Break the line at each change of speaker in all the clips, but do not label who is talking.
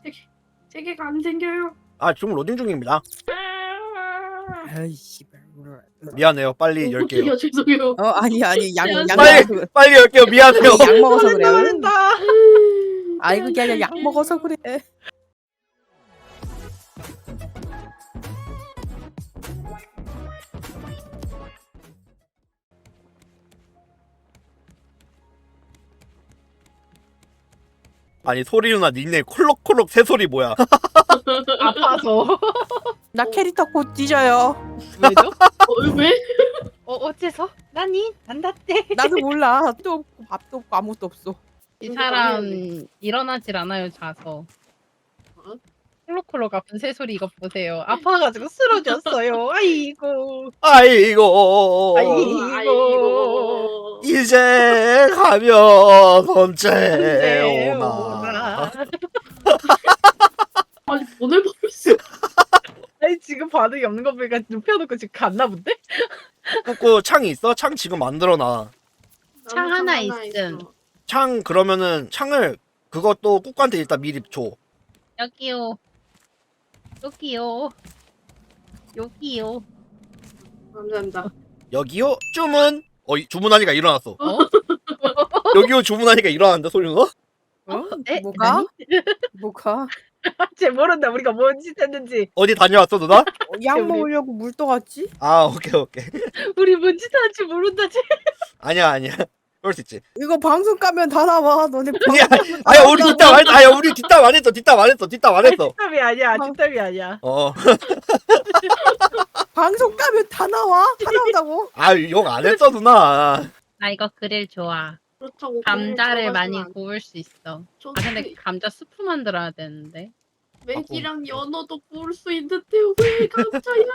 세계가 안 생겨요.
아 지금 로딩 중입니다.
아이 씨발.
미안해요. 빨리 열게요.
어떡해요, 죄송해요.
아니 양
빨리
먹어서 그래.
빨리 열게요. 미안해요.
양 먹어서 그래.
말린다.
아이 그게 아니라 양 먹어서 그래.
아니 소리 누나 닉네임 콜록콜록 새소리 뭐야?
아파서.
나 캐릭터 곧 뒤져요.
왜죠?
왜?
어째서? 나니? 난다떼.
나도 몰라. 또 없고 밥도 없고 아무것도 없어.
이 사람 일어나질 않아요, 자서. 콜록콜록 아픈 새소리 이거 보세요. 아파가지고 쓰러졌어요. 아이고.
아이고.
아이고.
이제 가면 언제
네,
오나.
아니 보내버렸어.
아니 지금 반응이 없는 거 보니까 눕혀놓고 지금 갔나 본데?
꾸꾸 창이 있어? 창 지금 만들어놔.
창 하나 있음.
창 그러면은 창을 그것도 꾸꾸한테 일단 미리 줘.
여기요. 여기요. 여기요.
감사합니다.
여기요? 주문. 주문하니까 일어났어.
어?
여기요 주문하니까 일어났는데 소리 누나?
네?
뭐가? 뭐가?
쟤 모른다. 우리가 뭔 짓 했는지.
어디 다녀왔어 누나?
양 먹으려고 물 떠갔지?
아 오케이 오케이.
우리 뭔 짓 하는지 모른다. 쟤.
아니야. 그럴 수 있지.
이거 방송 까면 다 나와. 너네
아니야.
방송
아야 우리 뒷담 안 했어. 아야 우리 뒷담 안 했어. 뒷담 안 했어.
뒷담이 아니야. 뒷담이 아니야.
방송 까면 다 나와. 다 나온다고.
아욕 안 했어 누나.
나 이거 그릴 좋아.
그렇다고
감자를
그걸
많이
좋아하지만
구울 수 있어.
저
아 근데 감자 스프 만들어야 되는데.
맥이랑 연어도 구울 수 있는데 왜 감자야?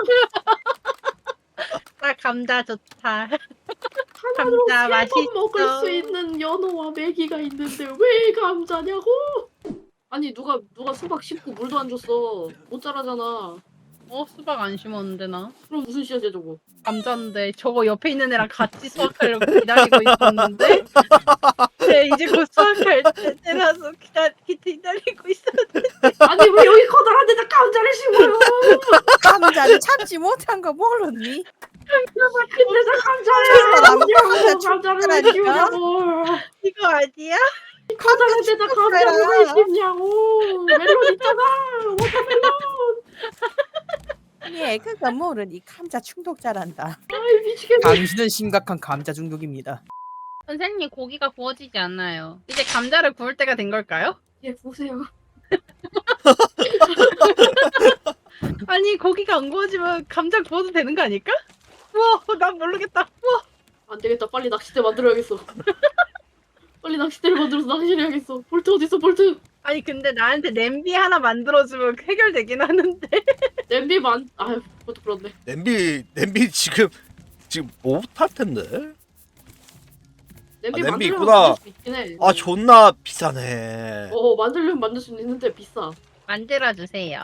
나 감자 좋다.
하나로
감자
세번
맛있어.
먹을 수 있는 연어와 메기가 있는데 왜 감자냐고? 아니 누가 수박 씹고 물도 안 줬어. 못 자라잖아.
수박 안 심었는데 나.
그럼 무슨 씨앗이야 저거?
감자인데 저거 옆에 있는 애랑 같이 수확하려고 기다리고 있었는데 네, 이제 곧 수확할 때라서 기다리고 있었는데
아니 왜 여기 커다란 데다 감자를 심어요?
감자를 참지 못한 거 모르니?
근데 다
나무
감자를
감자
감자를 왜
죽더라니까.
키우냐고.
이거 아니야?
커다란 데다 감자를 왜 심냐고. 멜론 있잖아. 워터멜론.
예, 그거 모르니 감자 중독자란다.
아이 미치겠네.
당신은 심각한 감자 중독입니다.
선생님 고기가 구워지지 않아요. 이제 감자를 구울 때가 된 걸까요?
예 보세요.
아니 고기가 안 구워지면 감자 구워도 되는 거 아닐까? 우와 난 모르겠다. 우와
안 되겠다. 빨리 낚싯대 만들어야겠어. 빨리 낚싯대를 만들어서 낚시를 해야겠어. 볼트 어딨어 볼트?
아니 근데 나한테 냄비 하나 만들어주면 해결되긴 하는데
냄비만 아유 그것도 그렇네.
냄비 지금 못할 텐데.
냄비
냄비
만들려면
있구나.
만들 수 있긴 해.
아 존나 비싸네.
만들려면 만들 수 있는데 비싸.
만들어주세요.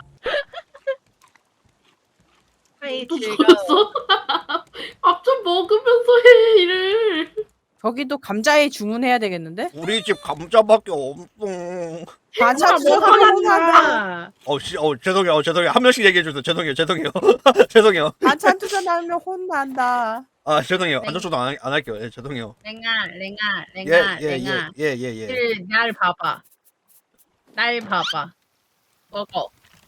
아이
또
즐거워.
죽었어? 밥 좀 먹으면서 해 일을.
저기도 감자에 주문해야 되겠는데?
우리 집 감자밖에 없어.
반찬
뭐
투자하면
하나
죄송해요. 한 명씩 얘기해 주세요. 죄송해요. 죄송해요.
반찬 투자 나오면 혼난다.
아 죄송해요.
네.
안전초도 안 할게요. 예, 죄송해요.
랭아
예.
날 봐봐. 먹어.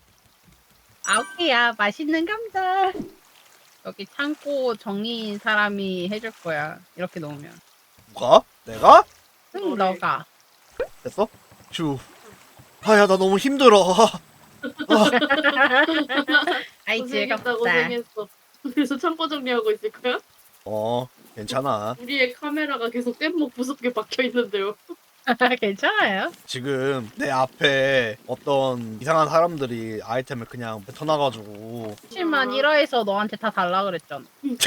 오케이야 맛있는 감자. 여기 창고 정리인 사람이 해줄 거야. 이렇게 놓으면.
누가? 내가?
응 너가.
됐어? 아야 나 너무 힘들어.
아이
고생했다
즐겁다.
고생했어. 그래서 창고 정리하고 있을 거야?
괜찮아.
우리의 카메라가 계속 뗏목 무섭게 박혀 있는데요.
괜찮아요.
지금 내 앞에 어떤 이상한 사람들이 아이템을 그냥 뱉어놔가지고
7만 1화에서 너한테 다 달라 그랬잖아.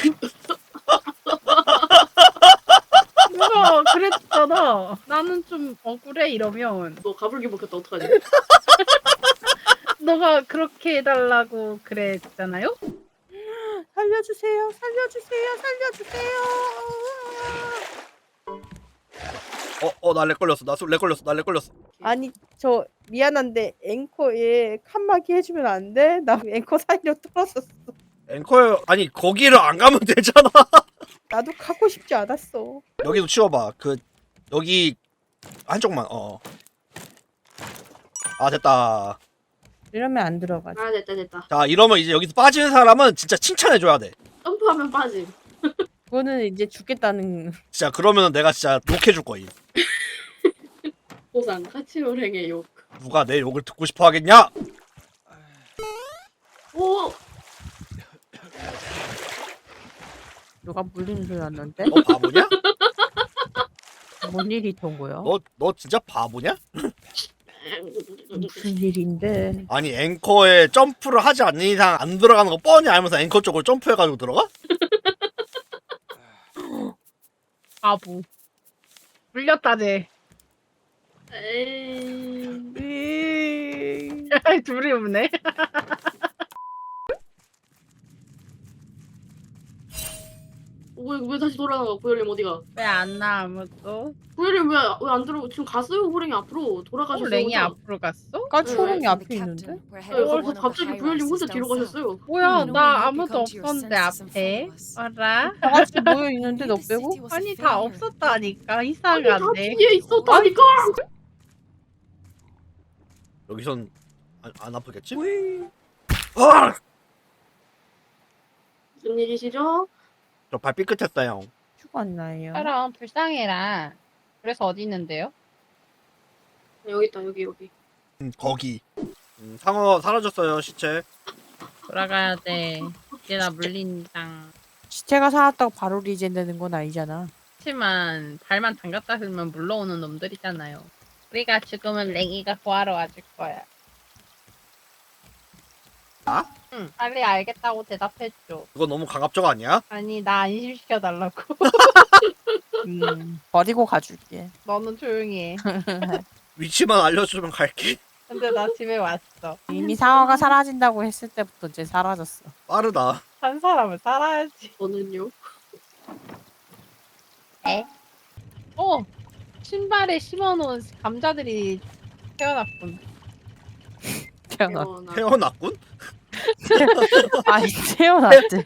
누가 그랬잖아. 나는 좀 억울해 이러면
너 가불기 먹혔다 어떡하지?
너가 그렇게 해달라고 그랬잖아요.
살려주세요. 살려주세요. 살려주세요.
나 렉 걸렸어. 나 렉 걸렸어.
아니 저 미안한데 앵커에 칸막이 해주면 안 돼? 나 앵커 사이로 떨어졌어.
앵커 아니 거기를 안 가면 되잖아.
나도 가고 싶지 않았어.
여기도 치워봐. 여기 한쪽만. 아 됐다.
이러면 안 들어가지.
아 됐다.
자 이러면 이제 여기서 빠지는 사람은 진짜 칭찬해줘야 돼.
점프하면 빠짐.
그거는 이제 죽겠다는.
진짜 그러면은 내가 진짜 욕해줄 거임.
보상 카치오랭의 욕.
누가 내 욕을 듣고 싶어 하겠냐?
오.
누가 물리는 소리 났는데?
너 바보냐?
뭔 일이 있던 거야?
너 진짜 바보냐?
무슨 일인데?
아니 앵커에 점프를 하지 않는 이상 안 들어가는 거 뻔히 알면서 앵커 쪽으로 점프해가지고 들어가?
바보. 물렸다 쟤.
에이.
둘이 없네.
왜 다시 돌아나가? 구열님 어디가?
왜 안 나 아무도?
구열님 왜 안 들어? 지금 갔어요 호랭이 앞으로 돌아가셨어요.
랭이
혼자.
앞으로 갔어?
까치호랑이 앞에 있는데?
네, 그래서 갑자기 구열님 혼자 뒤로 가셨어요.
뭐야 나 아무도 없었는데 앞에. 알아?
다 같이 모여 있는데 너 빼고?
아니 다 없었다니까
아니 다
이상한데.
뒤에 있었다니까.
여기선 안 아프겠지? 아!
무슨 일이시죠?
저 발 삐끗했어요.
죽었나요?
그럼 불쌍해라. 그래서 어디 있는데요?
여기 있다 여기.
거기. 상어 사라졌어요 시체.
돌아가야 돼. 이제 나 물린다.
시체가 살았다고 바로 리젠되는 건 아니잖아.
하지만 발만 담갔다 들면 물러오는 놈들이잖아요. 우리가 죽으면 랭이가 구하러 와줄 거야.
나?
응. 빨리 알겠다고 대답해줘.
그거 너무 강압적 아니야?
아니 나 안심시켜달라고.
버리고 가줄게.
너는 조용히 해.
위치만 알려주면 갈게.
근데 나 집에 왔어.
이미 상어가 사라진다고 했을 때부터 이제 사라졌어.
빠르다.
한 사람은 살아야지.
저는요.
신발에 심어놓은 감자들이 태어났군.
태어났.
태어났군?
아니 태어났지.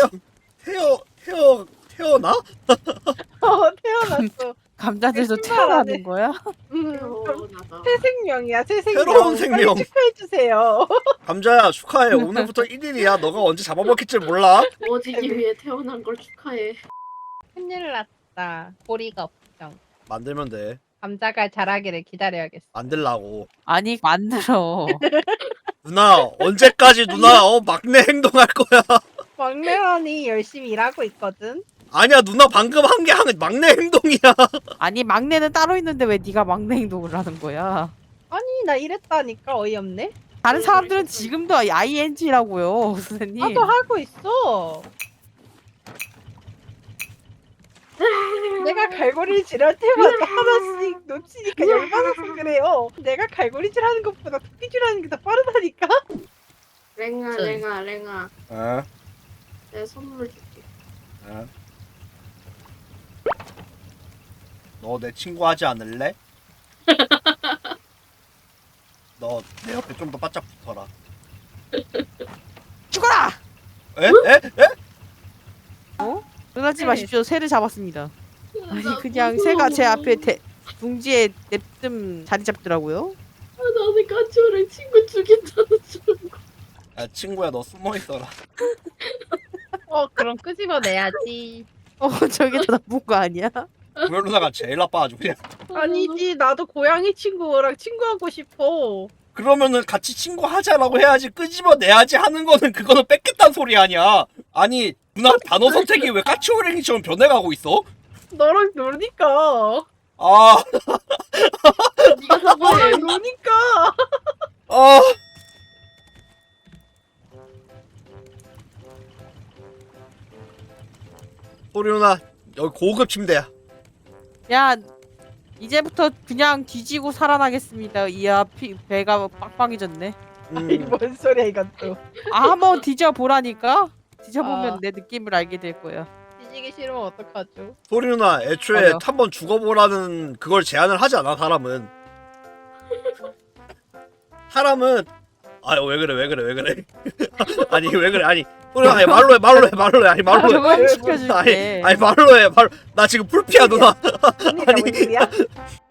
태어나?
태어났어.
감자들도
신발 안에.
태어나는 거야?
태어나다.
새 생명이야, 새 생명.
새로운 생명.
빨리 축하해주세요.
감자야 축하해. 오늘부터 1일이야. 너가 언제 잡아먹힐 몰라.
구워지기 위해 태어난 걸 축하해.
큰일 났다. 보리가 없정.
만들면 돼.
감자가 자라기를 기다려야겠어.
만들라고.
아니 만들어.
누나 언제까지 누나 막내 행동할 거야.
막내언니 열심히 일하고 있거든.
아니야 누나 방금 한 게 막내 행동이야.
아니 막내는 따로 있는데 왜 네가 막내 행동을 하는 거야?
아니 나 이랬다니까 어이없네.
다른 사람들은 지금도 ING라고요, 선생님.
나도 하고 있어. 내가 갈고리를 질할 때마다 하나씩 놓치니까 열받아서 그래요. 내가 갈고리질 하는 것보다 토끼질 하는 게 더 빠르다니까.
랭아.
어?
내 선물 줄게.
너 내 친구 하지 않을래? 너 내 옆에 좀 더 바짝 붙어라.
죽어라!
에? 에?
놀라지
네.
마십시오. 새를 잡았습니다. 아니 그냥 새가 제 앞에 둥지에 냅뜸 자리 잡더라고요.
나는 까치오랭 친구 죽인다는 줄 알고.
야 친구야 너 숨어 있어라.
그럼 끄집어내야지.
저게 더 나쁜 거 아니야?
구열 누나가 제일 나빠가지고 그냥.
아니지 나도 고양이 친구랑 친구하고 싶어.
그러면은 같이 친구 하자라고 해야지 끄집어내야지 하는 거는 그거는 뺏겠다는 소리 아니야. 아니 누나 단어 선택이 왜 까치오랭이처럼 변해가고 있어?
너랑 노니까.
아,
네가 사과해.
너랑 노니까.
아. 소리 누나 여기 고급 침대야.
야 이제부터 그냥 뒤지고 살아나겠습니다. 이야 배가 빵빵해졌네.
아니 뭔 소리야 이건 또.
한번 뒤져보라니까. 뒤져보면
아.
내 느낌을 알게 될 거야.
빠지기 싫으면 어떡하죠?
소리 누나 애초에
맞아.
한번 죽어보라는 그걸 제안을 하지 않아 사람은. 사람은 왜 그래 아니 왜 그래 아니 소리 누나 아니, 말로 해 아니 말로 해
저걸 시켜줄게.
아니 말로 해 나 지금 풀피야 누나.
언니가 뭔 일이야?